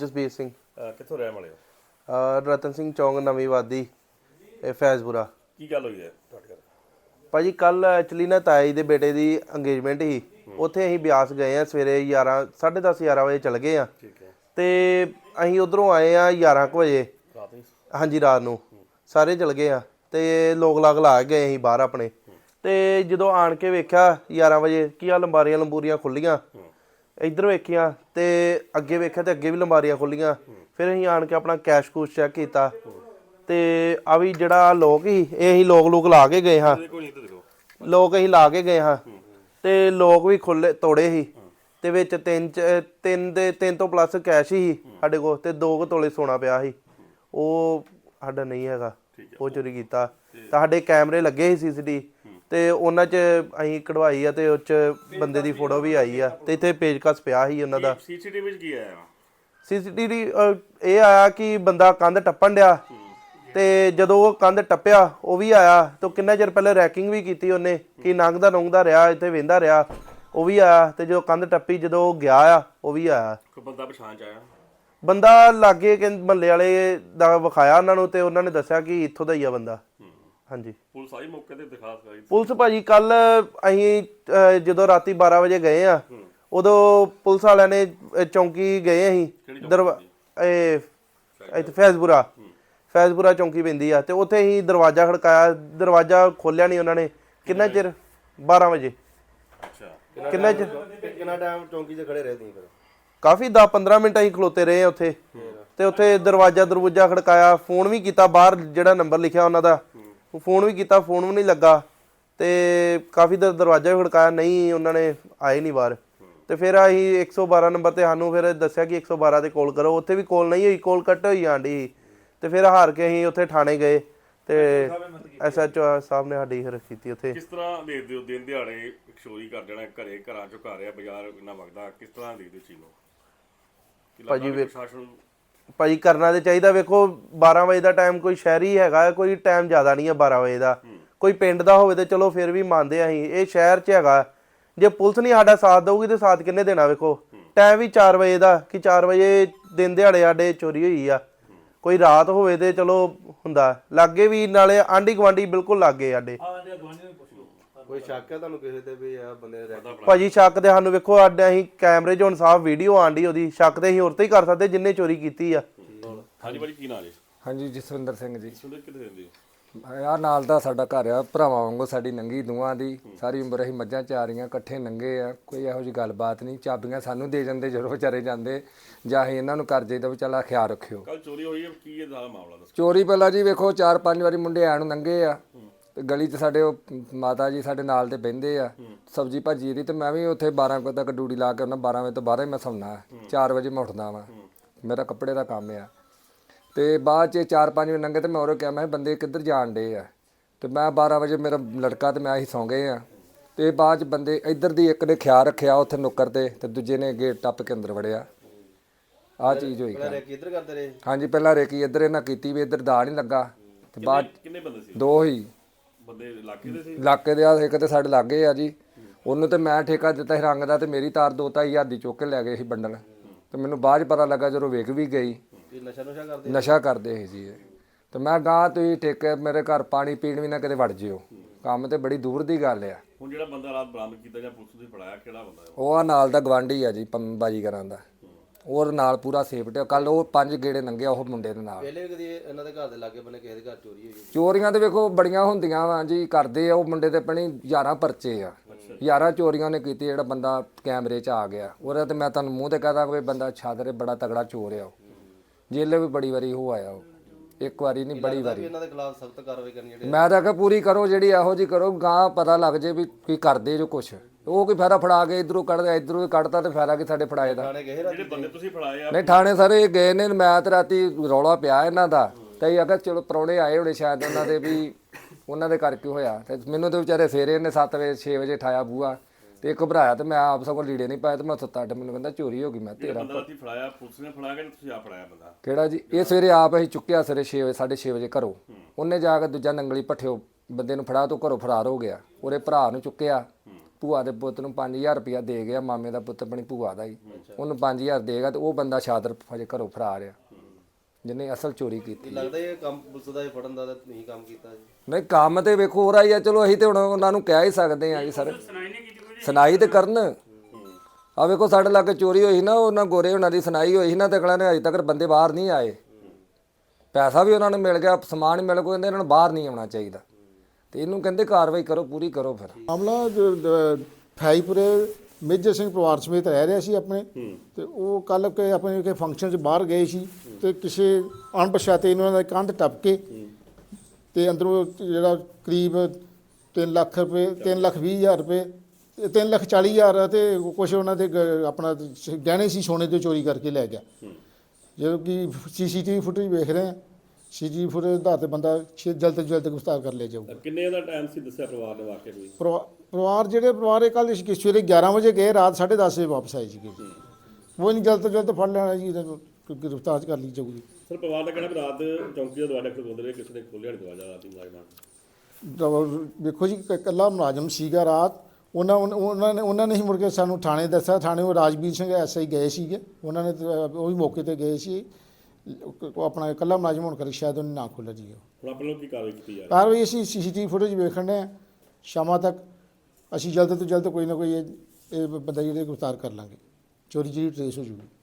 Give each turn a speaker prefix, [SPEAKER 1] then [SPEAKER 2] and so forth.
[SPEAKER 1] ਜਸਬੀਰ ਸਿੰਘ।
[SPEAKER 2] ਕਿੱਥੋਂ ਰਹਿਣ ਵਾਲੇ ਹੋ?
[SPEAKER 1] ਰਤਨ ਸਿੰਘ ਚੌਂਕ ਨਵੀਂ ਵਾਦੀ ਫੈਜ਼ਪੁਰਾ।
[SPEAKER 2] ਕੀ ਗੱਲ ਹੋਈ ਹੈ ਤੁਹਾਡੇ ਘਰ?
[SPEAKER 1] ਭਾਜੀ ਕੱਲ ਐਕਚੁਅਲੀ ਨਾ ਤਾਇਆ ਜੀ ਦੇ ਬੇਟੇ ਦੀ ਅੰਗੇਜਮੈਂਟ ਸੀ, ਉੱਥੇ ਅਸੀਂ ਬਿਆਸ ਗਏ ਆ ਸਵੇਰੇ 10:30 11 ਵਜੇ ਚਲ ਗਏ ਆ।
[SPEAKER 2] ਠੀਕ ਹੈ।
[SPEAKER 1] ਤੇ ਅਸੀਂ ਉਧਰੋਂ ਆਏ ਆ 11 ਵਜੇ।
[SPEAKER 2] ਰਾਤ ਨੂੰ?
[SPEAKER 1] ਹਾਂਜੀ ਰਾਤ ਨੂੰ ਸਾਰੇ ਚਲ ਗਏ ਆ ਤੇ ਲੋਕ ਲਾਗ ਲਾ ਗਏ ਅਸੀਂ ਬਾਹਰ ਆਪਣੇ। ਤੇ ਜਦੋਂ ਆਣ ਕੇ ਵੇਖਿਆ 11 ਵਜੇ ਕੀ ਆ ਲੰਬਾਰੀਆਂ ਲੰਬੂਰੀਆਂ ਖੁੱਲੀਆਂ, ਇੱਧਰ ਵੇਖੀਆਂ ਤੇ ਅੱਗੇ ਵੇਖਿਆ ਤੇ ਅੱਗੇ ਵੀ ਲੰਬਾਰੀਆਂ ਖੁੱਲੀਆਂ। ਫਿਰ ਅਸੀਂ ਆਣ ਕੇ ਆਪਣਾ ਕੈਸ਼ ਕੂਸ਼ ਚੈੱਕ ਕੀਤਾ ਤੇ ਆ ਵੀ ਜਿਹੜਾ ਲੋਕ ਸੀ ਇਹ ਅਸੀਂ ਲੋਕ ਲਾ ਕੇ ਗਏ ਹਾਂ। ਲੋਕ ਅਸੀਂ ਲਾ ਕੇ ਗਏ ਹਾਂ ਤੇ ਲੋਕ ਵੀ ਖੁੱਲੇ ਤੋੜੇ ਸੀ ਤੇ ਵਿੱਚ ਤਿੰਨ ਤੋਂ ਪਲੱਸ ਕੈਸ਼ ਸੀ ਸਾਡੇ ਕੋਲ ਤੇ 2 ਤੋਲੇ ਸੋਨਾ ਪਿਆ ਸੀ, ਉਹ ਸਾਡਾ ਨਹੀਂ ਹੈਗਾ, ਉਹ ਚੋਰੀ ਕੀਤਾ। ਤਾਂ ਸਾਡੇ ਕੈਮਰੇ ਲੱਗੇ ਸੀ CCTV ਤੇ ਉਹਨਾਂ 'ਚ ਅਸੀਂ ਕਢਵਾਈ ਆ ਤੇ ਉਹ 'ਚ ਬੰਦੇ ਦੀ ਫੋਟੋ ਵੀ ਆਈ ਆ ਤੇ ਇੱਥੇ ਪੇਜਕਸ ਪਿਆ ਸੀ ਉਹਨਾਂ ਦਾ।
[SPEAKER 2] CCTV ਵਿੱਚ ਕੀ ਆਇਆ?
[SPEAKER 1] CCTV ਇਹ ਆਇਆ ਕਿ ਬੰਦਾ ਕੰਧ ਟੱਪਣ ਡਿਆ ਤੇ ਜਦੋਂ ਉਹ ਕੰਧ ਟੱਪਿਆ ਉਹ ਵੀ ਆਇਆ ਤੇ ਕਿੰਨਾ ਚਿਰ ਪਹਿਲੇ ਰੈਕਿੰਗ ਵੀ ਕੀਤੀ ਉਹਨੇ ਕਿ ਨੰਗਦਾ ਰਿਹਾ ਇੱਥੇ ਵੇਂਦਾ ਰਿਹਾ, ਉਹ ਵੀ ਆਇਆ। ਤੇ ਜਦੋਂ ਕੰਧ ਟੱਪੀ ਜਦੋਂ ਉਹ ਗਿਆ ਆ ਉਹ ਵੀ ਆਇਆ।
[SPEAKER 2] ਕੋਈ ਬੰਦਾ ਪਛਾਣ ਚ ਆਇਆ?
[SPEAKER 1] ਬੰਦਾ ਲਾਗੇ ਕਿ ਮਹੱਲੇ ਵਾਲੇ ਦਾ ਵਿਖਾਇਆ ਉਹਨਾਂ ਨੂੰ ਤੇ ਉਹਨਾਂ ਨੇ ਦੱਸਿਆ ਕਿ ਇੱਥੋਂ ਦਾ ਹੀ ਆ ਬੰਦਾ। ਹਾਂਜੀ।
[SPEAKER 2] ਪੁਲਿਸ ਆਈ ਮੌਕੇ ਤੇ ਦਿਖਾ ਸਕਾਈ? ਪੁਲਿਸ
[SPEAKER 1] ਭਾਜੀ ਕੱਲ ਅਸੀਂ ਜਦੋਂ ਰਾਤੀ 12 ਵਜੇ ਗਏ ਆ ਉਦੋਂ ਪੁਲਿਸ ਵਾਲਿਆਂ ਨੇ ਚੌਂਕੀ ਗਏ ਅਸੀਂ ਇੱਥੇ ਫੈਜ਼ਪੁਰਾ ਚੌਂਕੀ ਪੈਂਦੀ ਆ ਤੇ ਉੱਥੇ ਅਸੀਂ ਦਰਵਾਜ਼ਾ ਖੜਕਾਇਆ, ਦਰਵਾਜ਼ਾ ਖੋਲਿਆ ਨਹੀਂ ਉਹਨਾਂ ਨੇ। ਕਿੰਨਾ ਚਿਰ? 12 ਵਜੇ।
[SPEAKER 2] ਅੱਛਾ।
[SPEAKER 1] ਕਿੰਨਾ
[SPEAKER 3] ਟਾਈਮ ਚੌਂਕੀ 'ਚ ਖੜੇ ਰਹੇ ਤੁਸੀਂ? ਫਿਰ
[SPEAKER 1] ਕਾਫੀ 10-15 ਮਿੰਟ ਅਸੀਂ ਖਲੋਤੇ ਰਹੇ ਉੱਥੇ ਤੇ ਉੱਥੇ ਦਰਵਾਜ਼ਾ ਖੜਕਾਇਆ, ਫੋਨ ਵੀ ਕੀਤਾ ਬਾਹਰ ਜਿਹੜਾ ਨੰਬਰ ਲਿਖਿਆ ਉਹਨਾਂ ਦਾ, ਫੋਨ ਵੀ ਕੀਤਾ, ਫੋਨ ਵੀ ਨਹੀਂ ਲੱਗਾ ਤੇ ਕਾਫੀ ਦਰਵਾਜ਼ਾ ਵੀ ਖੜਕਾਇਆ, ਨਹੀਂ ਉਹਨਾਂ ਨੇ ਆਏ ਨਹੀਂ ਬਾਹਰ। ਤੇ ਫਿਰ ਅਸੀਂ 112 ਨੰਬਰ ਤੇ ਸਾਨੂੰ ਫਿਰ ਦੱਸਿਆ ਕਿ 112 ਤੇ ਕਾਲ ਕਰੋ, ਉੱਥੇ ਵੀ ਕਾਲ ਨਹੀਂ ਹੋਈ, ਕਾਲ ਕੱਟ ਹੋਈ ਆਂਡੀ। ਤੇ ਫਿਰ ਹਾਰ ਕੇ ਅਸੀਂ ਉੱਥੇ ਥਾਣੇ ਗਏ ਤੇ SHO ਸਾਹਿਬ ਨੇ ਸਾਡੀ ਫਿਰ ਕੀਤੀ ਉੱਥੇ।
[SPEAKER 2] ਕਿਸ ਤਰ੍ਹਾਂ ਦੇਖਦੇ ਹੋ ਦਿਨ ਦਿਹਾੜੇ ਚੋਰੀ ਕਰ ਜਾਣਾ ਘਰਾਂ ਚੋਂ ਘਰ ਆ, ਬਾਜ਼ਾਰ ਇੰਨਾ ਵਗਦਾ, ਕਿਸ ਤਰ੍ਹਾਂ ਦੇਖਦੇ ਚੀਜ਼ ਨੂੰ?
[SPEAKER 1] ਭਾਜੀ ਕਰਨਾ ਤੇ ਚਾਹੀਦਾ। ਵੇਖੋ 12 ਵਜੇ ਦਾ ਟਾਈਮ ਕੋਈ ਸ਼ਹਿਰੀ ਹੈਗਾ, ਕੋਈ ਟਾਈਮ ਜ਼ਿਆਦਾ ਨਹੀਂ ਹੈ 12 ਵਜੇ ਦਾ। ਕੋਈ ਪਿੰਡ ਦਾ ਹੋਵੇ ਤੇ ਚਲੋ ਫਿਰ ਵੀ ਮੰਨਦੇ ਅਸੀਂ, ਇਹ ਸ਼ਹਿਰ 'ਚ ਹੈਗਾ। ਜੇ ਪੁਲਿਸ ਨਹੀਂ ਸਾਡਾ ਸਾਥ ਦਊਗੀ ਤੇ ਸਾਥ ਕਿੰਨੇ ਦੇਣਾ? ਵੇਖੋ ਟਾਈਮ ਵੀ 4 ਵਜੇ ਦਾ ਕਿ 4 ਵਜੇ ਦਿਨ ਦਿਹਾੜੇ ਸਾਡੇ ਚੋਰੀ ਹੋਈ ਆ। ਕੋਈ ਰਾਤ ਹੋਵੇ ਤੇ ਚਲੋ ਹੁੰਦਾ, ਲਾਗੇ ਵੀ ਨਾਲੇ ਆਂਢੀ ਗੁਆਂਢੀ ਬਿਲਕੁਲ ਲਾਗੇ ਸਾਡੇ।
[SPEAKER 3] ਕੋਈ ਸ਼ੱਕ ਹੈ ਤੁਹਾਨੂੰ ਕਿਸੇ ਤੇ ਵੀ ਆ ਬੰਦੇ ਦੇ?
[SPEAKER 1] ਭਾਜੀ ਸ਼ੱਕ ਤੇ ਸਾਨੂੰ ਵੇਖੋ ਸਾਡੇ ਅਸੀਂ ਕੈਮਰੇ 'ਚ ਹੁਣ ਸਾਫ਼ ਵੀਡੀਓ ਆਂਡੀ ਉਹਦੀ, ਸ਼ੱਕ ਤੇ ਅਸੀਂ ਹੋਰ ਤੇ ਹੀ ਕਰ ਸਕਦੇ ਜਿੰਨੇ ਚੋਰੀ ਕੀਤੀ ਆ।
[SPEAKER 2] ਹਾਂਜੀ ਭਾਜੀ ਕੀ ਨਾਂ ਜੀ?
[SPEAKER 4] ਹਾਂਜੀ ਜਸਵਿੰਦਰ ਸਿੰਘ ਜੀ।
[SPEAKER 2] ਕਿੱਥੇ ਰਹਿੰਦੇ?
[SPEAKER 4] ਆਹ ਨਾਲ ਦਾ ਸਾਡਾ ਘਰ ਆ, ਭਰਾਵਾਂ ਵਾਂਗੂ ਸਾਡੀ ਨੰਗੀ ਦੋਵਾਂ ਦੀ। ਸਾਰੀ ਉਮਰ ਅਸੀਂ ਮੱਝਾਂ ਚਾਰੀਆਂ, ਇਕੱਠੇ ਨੰਗੇ ਆ, ਕੋਈ ਇਹੋ ਜਿਹੀ ਗੱਲਬਾਤ ਨਹੀਂ। ਚਾਬੀਆਂ ਸਾਨੂੰ ਦੇ ਜਾਂਦੇ ਜਦੋਂ ਵਿਚਾਰੇ ਜਾਂਦੇ, ਜਾਂ ਅਸੀਂ ਇਹਨਾਂ ਨੂੰ ਕਰ ਜਾਈਦਾ ਵੀ ਚੱਲ ਖਿਆਲ ਰੱਖਿਓ।
[SPEAKER 2] ਕੱਲ ਚੋਰੀ ਹੋਈ ਹੈ, ਕੀ ਇਹ ਦਾ ਮਾਮਲਾ ਦੱਸੋ?
[SPEAKER 4] ਚੋਰੀ ਪਹਿਲਾਂ ਜੀ ਵੇਖੋ 4-5 ਵਾਰੀ ਮੁੰਡੇ ਆਣ ਨੂੰ ਨੰਗੇ ਆ ਤੇ ਗਲੀ 'ਚ ਸਾਡੇ ਉਹ ਮਾਤਾ ਜੀ ਸਾਡੇ ਨਾਲ ਤੇ ਬਹਿੰਦੇ ਆ ਸਬਜ਼ੀ ਭਾਜੀ ਦੀ, ਤੇ ਮੈਂ ਵੀ ਉੱਥੇ 12 ਵਜੇ ਤੱਕ ਡਿਊਟੀ ਲਾ ਕੇ ਉਹਨਾਂ 12 ਵਜੇ ਤੋਂ ਬਾਅਦ ਹੀ ਮੈਂ ਸੌਣਾ। 4 ਵਜੇ ਮੈਂ ਉੱਠਦਾ ਵਾਂ, ਮੇਰਾ ਕੱਪੜੇ ਦਾ ਕੰਮ ਆ। ਤੇ ਬਾਅਦ 'ਚ 4-5 ਵਜੇ ਨੰਗੇ ਤੇ ਮੈਂ ਉਹਨੂੰ ਕਿਹਾ ਮੈਂ ਬੰਦੇ ਕਿੱਧਰ ਜਾਣ ਡੇ ਆ, ਤੇ ਮੈਂ 12 ਵਜੇ ਮੇਰਾ ਲੜਕਾ ਤੇ ਮੈਂ ਅਸੀਂ ਸੌਂ ਗਏ ਆ। ਤੇ ਬਾਅਦ 'ਚ ਬੰਦੇ ਇੱਧਰ ਦੀ ਇੱਕ ਨੇ ਖਿਆਲ ਰੱਖਿਆ ਉੱਥੇ ਨੁੱਕਰ ਤੇ ਦੂਜੇ ਨੇ ਗੇਟ ਟੱਪ ਕੇ ਅੰਦਰ ਵੜਿਆ। ਆਹ ਚੀਜ਼ ਹੋਈ।
[SPEAKER 3] ਇੱਧਰ ਕਰਦੇ ਰਹੇ?
[SPEAKER 4] ਹਾਂਜੀ ਪਹਿਲਾਂ ਰੇਕੀ ਇੱਧਰ ਇਹਨਾਂ ਕੀਤੀ ਵੀ ਇੱਧਰ ਦਾ ਨਹੀਂ ਲੱਗਾ। ਤੇ ਬਾਅਦ
[SPEAKER 2] ਕਿੰਨੇ ਬੰਦੇ ਸੀ?
[SPEAKER 4] 2 ਹੀ
[SPEAKER 2] ਬੰਦੇ ਇਲਾਕੇ ਦੇ ਸੀ?
[SPEAKER 4] ਇਲਾਕੇ ਦੇ ਆ, ਇੱਕ ਤੇ ਸਾਡੇ ਲਾਗੇ ਆ ਜੀ, ਉਹਨੂੰ ਤੇ ਮੈਂ ਠੇਕਾ ਦਿੱਤਾ ਸੀ ਰੰਗ ਦਾ, ਤੇ ਮੇਰੀ ਤਾਰ 2-2 ਹਜ਼ਾਰ ਦੀ ਚੁੱਕ ਕੇ ਲੈ ਗਏ ਸੀ ਬੰਡਲ। ਤੇ ਮੈਨੂੰ ਬਾਅਦ 'ਚ ਪਤਾ ਲੱਗਾ ਜਦੋਂ ਵੇਖ ਵੀ ਗਈ ਨਸ਼ਾ ਕਰਦੇ ਸੀ ਜੀ ਇਹ। ਤੇ ਮੈਂ ਗਾਂ ਤੁਸੀਂ ਠੇਕੇ ਮੇਰੇ ਘਰ ਪਾਣੀ ਪੀਣ ਵੀ ਨਾ ਕਿਤੇ ਵੜ ਜਿਓ, ਕੰਮ ਤੇ ਬੜੀ ਦੂਰ ਦੀ ਗੱਲ ਆ।
[SPEAKER 2] ਹੁਣ ਜਿਹੜਾ ਬੰਦਾ ਰਾਤ ਬਰਾਮਦ ਕੀਤਾ ਜਾਂ ਪੁਲਿਸ ਨੇ ਫੜਾਇਆ, ਕਿਹੜਾ ਬੰਦਾ?
[SPEAKER 4] ਉਹ ਆ ਨਾਲ ਦਾ ਗਵਾਂਢੀ ਆ ਜੀ, ਬਾਜੀਗਰਾਂ ਦਾ। ਉਹ ਨਾਲ ਪੂਰਾ ਸੇਫਟੀ। ਕੱਲ ਉਹ 5 ਗੇੜੇ ਲੰਘਿਆ ਉਹ ਮੁੰਡੇ ਦੇ ਨਾਲ।
[SPEAKER 3] ਪਹਿਲੇ ਕਦੀ ਇਹਨਾਂ ਦੇ ਘਰ ਦੇ ਲਾਗੇ ਬੰਨੇ ਕਿਸੇ ਦੇ ਘਰ ਚੋਰੀ ਹੋਈ?
[SPEAKER 4] ਚੋਰੀਆਂ ਤੇ ਵੇਖੋ ਬੜੀਆਂ ਹੁੰਦੀਆਂ ਵਾ ਜੀ, ਕਰਦੇ ਆ ਉਹ ਮੁੰਡੇ ਤੇ ਆਪਣੀ 11 ਪਰਚੇ ਆ, 11 ਚੋਰੀਆਂ ਨੇ ਕੀਤੀ। ਜਿਹੜਾ ਬੰਦਾ ਕੈਮਰੇ 'ਚ ਆ ਗਿਆ ਉਹਦਾ ਤੇ ਮੈਂ ਤੁਹਾਨੂੰ ਮੂੰਹ ਤੇ ਕਹਦਾ ਕੋਈ ਬੰਦਾ ਛਾਦਰੇ ਬੜਾ ਤਗੜਾ ਚੋਰ ਆ। ਉਹ ਜੇਲੇ ਵੀ ਬੜੀ ਵਾਰੀ ਉਹ ਆਇਆ, ਇੱਕ ਵਾਰੀ ਨਹੀਂ ਬੜੀ ਵਾਰੀ।
[SPEAKER 3] ਇਹਨਾਂ ਦੇ ਖਿਲਾਫ ਸਖਤ ਕਾਰਵਾਈ ਕਰਨੀ ਜਿਹੜੇ?
[SPEAKER 4] ਮੈਂ ਤਾਂ ਕਿਹਾ ਪੂਰੀ ਕਰੋ, ਜਿਹੜੀ ਇਹੋ ਜਿਹੀ ਕਰੋ ਗਾਂ ਪਤਾ ਲੱਗ ਜੇ ਵੀ ਕੀ ਕਰਦੇ ਜੋ ਕੁਛ। ਉਹ ਕੋਈ ਫਾਇਦਾ ਫੜਾ ਕੇ ਇਧਰੋਂ ਕੱਢਦਾ, ਇਧਰੋਂ ਕੱਢਦਾ ਤੇ ਫਾਇਦਾ ਕਿ ਸਾਡੇ ਫੜਾਏ ਦਾ।
[SPEAKER 2] ਜਿਹੜੇ ਬੰਦੇ ਤੁਸੀਂ ਫੜਾਏ ਆ?
[SPEAKER 4] ਨਹੀਂ ਥਾਣੇ ਸਾਰੇ ਗਏ ਨੇ, ਮੈਂ ਤੇ ਰਾਤੀ ਰੌਲਾ ਪਿਆ ਇਹਨਾਂ ਦਾ ਤੇ ਅਗਰ ਚਲੋ ਪ੍ਰਾਹੁਣੇ ਆਏ ਹੋਣੇ ਸ਼ਾਇਦ ਉਹਨਾਂ ਦੇ ਵੀ, ਉਹਨਾਂ ਦੇ ਕਰਕੇ ਹੋਇਆ। ਤੇ ਮੈਨੂੰ ਤੇ ਵਿਚਾਰੇ ਸਵੇਰੇ ਇਹਨੇ 7 ਵਜੇ 6 ਵਜੇ ਠਾਇਆ ਬੂਆ ਤੇ ਘਬਰਾਇਆ ਤੇ ਮੈਂ ਆਪ ਸਗੋਂ ਲੀੜੇ ਨਹੀਂ ਪਾਏ ਤੇ ਮੈਂ ਸੁੱਤਾ ਅੱਡ। ਮੈਨੂੰ ਕਹਿੰਦਾ ਚੋਰੀ ਹੋ ਗਈ। ਮੈਂ ਤੇਰਾ
[SPEAKER 2] ਬੰਦਾ ਤੁਸੀਂ ਫੜਾਇਆ ਪੁਲਿਸ ਨੇ ਫੜਾਇਆ ਕਿ ਤੁਸੀਂ ਆਪ ਫੜਾਇਆ ਬੰਦਾ?
[SPEAKER 4] ਕਿਹੜਾ ਜੀ? ਇਹ ਸਵੇਰੇ ਆਪ ਅਸੀਂ ਚੁੱਕਿਆ ਸਵੇਰੇ 6 ਵਜੇ 6:30 ਵਜੇ ਘਰੋਂ। ਉਹਨੇ ਜਾ ਕੇ ਦੂਜਾ ਨੰਗਲੀ ਭੱਠਿਓ ਬੰਦੇ ਨੂੰ ਫੜਾ ਤੋਂ ਘਰੋਂ ਫਰਾਰ ਹੋ ਗਿਆ। ਉਹਦੇ ਭਰਾ ਨੂੰ ਚੁੱਕਿਆ ਭੂਆ ਦੇ ਪੁੱਤ ਨੂੰ 5000 ਰੁਪਇਆ ਦੇ ਗਿਆ, ਮਾਮੇ ਦਾ ਪੁੱਤ ਆਪਣੀ ਭੂਆ ਦਾ ਹੀ, ਉਹਨੂੰ 5000 ਦੇਗਾ ਤੇ ਉਹ ਬੰਦਾ ਸ਼ਾਦਰ ਹਜੇ ਘਰੋਂ ਫਰਾਰ ਆ ਜਿਹਨੇ ਅਸਲ ਚੋਰੀ ਕੀਤੀ।
[SPEAKER 3] ਲੱਗਦਾ ਇਹ ਕੰਮ ਪੁਲਿਸ ਦਾ ਹੀ ਫੜਨ ਦਾ ਤਾਂ ਨਹੀਂ ਕੰਮ ਕੀਤਾ ਜੀ।
[SPEAKER 4] ਨਹੀਂ ਕੰਮ ਤੇ ਵੇਖੋ ਹੋ ਰਹੀ ਆ, ਚਲੋ ਅਸੀਂ ਤੇ ਹੁਣ ਉਹਨਾਂ ਨੂੰ ਕਹਿ ਹੀ ਸਕਦੇ ਆ ਜੀ ਸਰ, ਸੁਣਾਈ ਤੇ ਕਰਨ। ਆ ਵੇਖੋ ਸਾਡੇ ਲਾਗੇ ਚੋਰੀ ਹੋਈ ਨਾ, ਉਹਨਾਂ ਗੋਰੇ ਉਹਨਾਂ ਦੀ ਸੁਣਾਈ ਹੋਈ ਸੀ ਨਾ, ਤੇ ਅਗਲਾ ਨੇ ਅਜੇ ਤੱਕ ਬੰਦੇ ਬਾਹਰ ਨਹੀਂ ਆਏ, ਪੈਸਾ ਵੀ ਉਹਨਾਂ ਨੂੰ ਮਿਲ ਗਿਆ, ਸਮਾਨ ਮਿਲ ਗਿਆ, ਕਹਿੰਦੇ ਇਹਨਾਂ ਨੂੰ ਬਾਹਰ ਨਹੀਂ ਆਉਣਾ ਚਾਹੀਦਾ, ਤੇ ਇਹਨੂੰ ਕਹਿੰਦੇ ਕਾਰਵਾਈ ਕਰੋ, ਪੂਰੀ ਕਰੋ। ਫਿਰ
[SPEAKER 5] ਮਾਮਲਾ ਫਾਈਪੁਰੇ ਮੇਜਰ ਸਿੰਘ ਪਰਿਵਾਰ ਸਮੇਤ ਰਹਿ ਰਿਹਾ ਸੀ ਆਪਣੇ, ਤੇ ਉਹ ਕੱਲ ਕੇ ਆਪਣੇ ਕੇ ਫੰਕਸ਼ਨ 'ਚ ਬਾਹਰ ਗਏ ਸੀ, ਤੇ ਕਿਸੇ ਅਣਪਛਾਤੇ ਇਹਨਾਂ ਦਾ ਕੰਧ ਟੱਪ ਕੇ ਤੇ ਅੰਦਰੋਂ ਜਿਹੜਾ ਕਰੀਬ 3 ਲੱਖ ਰੁਪਏ, 3,20,000 ਰੁਪਏ, 3,40,000 ਤੇ ਕੁਛ ਉਹਨਾਂ ਦੇ ਆਪਣਾ ਗਹਿਣੇ ਸੀ ਸੋਨੇ ਦੇ ਚੋਰੀ ਕਰਕੇ ਲੈ ਗਿਆ। ਜਦੋਂ ਕਿ ਸੀਸੀਟੀਵੀ ਫੁਟੇਜ ਵੇਖ ਰਹੇ ਹਾਂ, ਸੀਸੀਟੀਵੀ ਫੁਟੇਜ ਦੇ ਆਧਾਰ ਤੇ ਬੰਦਾ ਜਲਦ ਤੋਂ ਜਲਦ ਗ੍ਰਿਫਤਾਰ ਕਰ ਲਿਆ ਜਾਊਗਾ।
[SPEAKER 2] ਕਿੰਨੇ ਦਾ ਟਾਈਮ ਸੀ ਦੱਸਿਆ ਪਰਿਵਾਰ ਨੇ ਵਾਕਿਆ ਕੋਈ?
[SPEAKER 5] ਪਰਿਵਾਰ ਕੱਲ ਸਵੇਰੇ 11 ਵਜੇ ਗਏ, ਰਾਤ 10:30 ਵਜੇ ਵਾਪਸ ਆਏ ਸੀਗੇ। ਉਹ ਨਹੀਂ ਜਲਦ ਤੋਂ ਜਲਦ ਫੜ ਲੈਣਾ ਜੀ, ਇਹਨਾਂ ਨੂੰ ਗ੍ਰਿਫਤਾਰ ਕਰ ਲਈ ਜਾਊਗੀ।
[SPEAKER 2] ਸਰ ਪਰਿਵਾਰ ਦਾ ਕਹਿਣਾ ਵੀ ਰਾਤ ਚੌਂਕੀ ਦਾ ਦਰਵਾਜ਼ਾ ਖੋਲ੍ਹਦੇ ਰਹੇ, ਕਿਸੇ ਨੇ ਖੋਲ੍ਹਿਆ ਨਹੀਂ ਦਰਵਾਜ਼ਾ ਰਾਤੀ ਮੁਲਾਜ਼ਮਾਂ।
[SPEAKER 5] ਦੇਖੋ ਜੀ ਇਕੱਲਾ ਮੁਲਾਜ਼ਮ ਸੀਗਾ ਰਾਤ, ਉਹਨਾਂ ਨੇ ਹੀ ਮੁੜ ਕੇ ਸਾਨੂੰ ਥਾਣੇ ਦੱਸਿਆ। ਥਾਣੇ ਉਹ ਰਾਜਵੀਰ ਸਿੰਘ ਐਸਆਈ ਗਏ ਸੀਗੇ, ਉਹਨਾਂ ਨੇ ਉਹ ਵੀ ਮੌਕੇ ਤੇ ਗਏ ਸੀ। ਉਹ ਆਪਣਾ ਇਕੱਲਾ ਮੁਲਾਜ਼ਮ ਹੋਣ ਕਰਕੇ ਸ਼ਾਇਦ ਉਹਨੇ ਨਾ ਖੋਲ੍ਹਿਆ ਜੀ।
[SPEAKER 2] ਹੁਣ ਆਪਣੇ ਲੋਕ ਕੀ ਕਾਰਵਾਈ ਕੀਤੀ ਜਾ
[SPEAKER 5] ਕਾਰਵਾਈ ਅਸੀਂ ਸੀਸੀਟੀਵੀ ਫੁਟੇਜ ਵੇਖਣ ਡਏ ਹਾਂ, ਸ਼ਾਮਾਂ ਤੱਕ ਅਸੀਂ ਜਲਦ ਤੋਂ ਜਲਦ ਕੋਈ ਨਾ ਕੋਈ ਇਹ ਬੰਦਾ ਜਿਹੜੇ ਗ੍ਰਿਫਤਾਰ ਕਰ ਲਾਂਗੇ, ਚੋਰੀ ਜਿਹੜੀ ਟਰੇਸ ਹੋ ਜੂਗੀ।